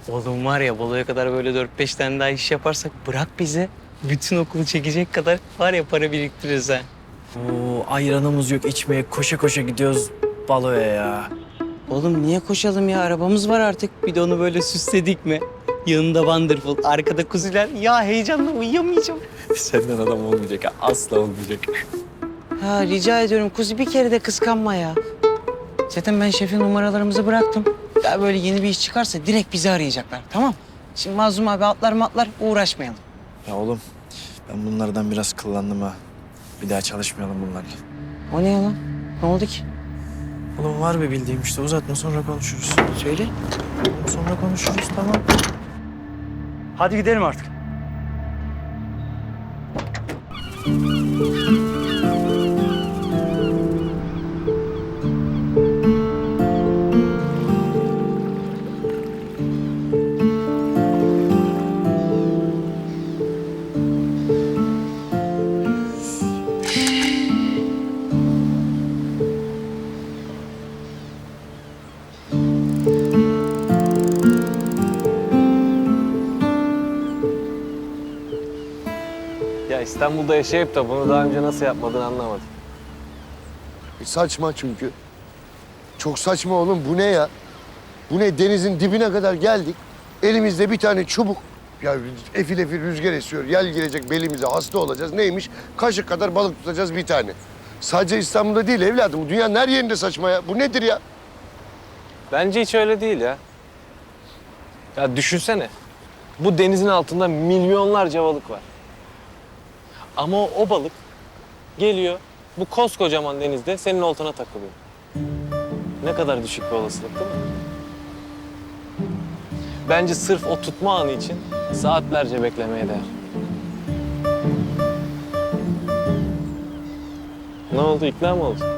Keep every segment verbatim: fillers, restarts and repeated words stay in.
Oğlum var ya baloya kadar böyle dört beş tane daha iş yaparsak bırak bize. Bütün okulu çekecek kadar var ya para biriktiririz ha. Oo, ayranımız yok içmeye koşa koşa gidiyoruz baloya ya. Oğlum niye koşalım ya? Arabamız var artık. Bir de onu böyle süsledik mi? Yanında Wonderful, arkada kuziler. Ya heyecanla uyuyamayacağım. Senden adam olmayacak ha, asla olmayacak. Ha rica ediyorum kuzi bir kere de kıskanma ya. Zaten ben şefin numaralarımızı bıraktım. Daha böyle yeni bir iş çıkarsa direkt bizi arayacaklar tamam. Şimdi Mazlum abi atlar matlar uğraşmayalım. Ya oğlum ben bunlardan biraz kıllandım ha. Bir daha çalışmayalım bunlarla. O ne ya lan? Ne oldu ki? Oğlum var bir bildiğim işte uzatma sonra konuşuruz. Söyle. Oğlum sonra konuşuruz tamam. Hadi gidelim artık. Ya İstanbul'da yaşayıp da bunu daha önce nasıl yapmadığını anlamadım. E, Saçma çünkü. Çok saçma oğlum. Bu ne ya? Bu ne? Denizin dibine kadar geldik. Elimizde bir tane çubuk. Ya efil efil rüzgar esiyor. Yel girecek belimize. Hasta olacağız. Neymiş? Kaşık kadar balık tutacağız bir tane. Sadece İstanbul'da değil evladım. Bu dünyanın her yerinde saçma ya. Bu nedir ya? Bence hiç öyle değil ya. Ya düşünsene. Bu denizin altında milyonlarca balık var. Ama o, o balık geliyor bu koskocaman denizde senin oltana takılıyor. Ne kadar düşük bir olasılık değil mi? Bence sırf o tutma anı için saatlerce beklemeye değer. Ne oldu? İkna mı oldun?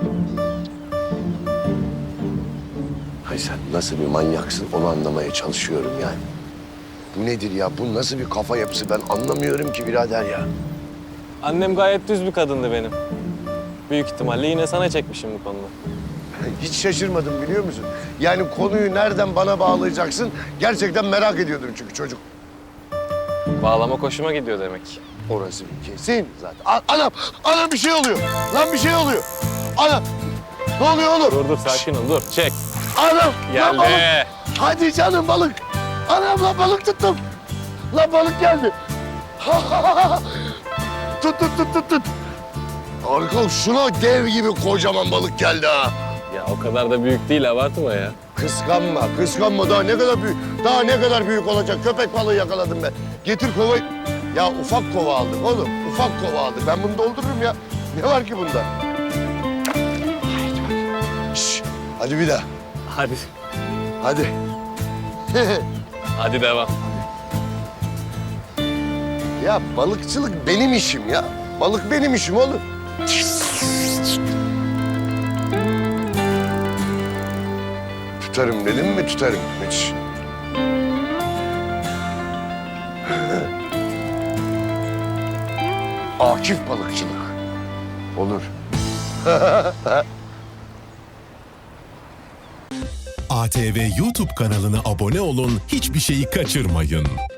Hay sen nasıl bir manyaksın onu anlamaya çalışıyorum yani. Bu nedir ya? Bu nasıl bir kafa yapısı? Ben anlamıyorum ki birader ya. Annem gayet düz bir kadındı benim. Büyük ihtimalle yine sana çekmişim bu konuda. Hiç şaşırmadım biliyor musun? Yani konuyu nereden bana bağlayacaksın? Gerçekten merak ediyordum çünkü çocuk. Bağlama hoşuma gidiyor demek. Orası bir kesin zaten. A- anam, anam bir şey oluyor. Lan bir şey oluyor. Anam, ne oluyor oğlum? Dur dur sakin ol dur çek. Anam, lan balık. Geldi. Hadi canım balık. Anam lan balık tuttum. Lan balık geldi. tut tut tut tut tut. Harika, şuna dev gibi kocaman balık geldi ha. Ya o kadar da büyük değil abartma ya. Kıskanma, kıskanma. Daha ne kadar büyük, daha ne kadar büyük olacak. Köpek balığı yakaladım ben. Getir kovayı. Ya ufak kova aldık oğlum. Ufak kova aldık. Ben bunu doldururum ya. Ne var ki bunda? Şş, hadi bir daha. Hadi. Hadi. Hadi devam. Ya balıkçılık benim işim ya. Balık benim işim oğlum. Tutarım dedim mi tutarım. Hiç. Akif balıkçılık. Olur. A T V YouTube kanalına abone olun, hiçbir şeyi kaçırmayın.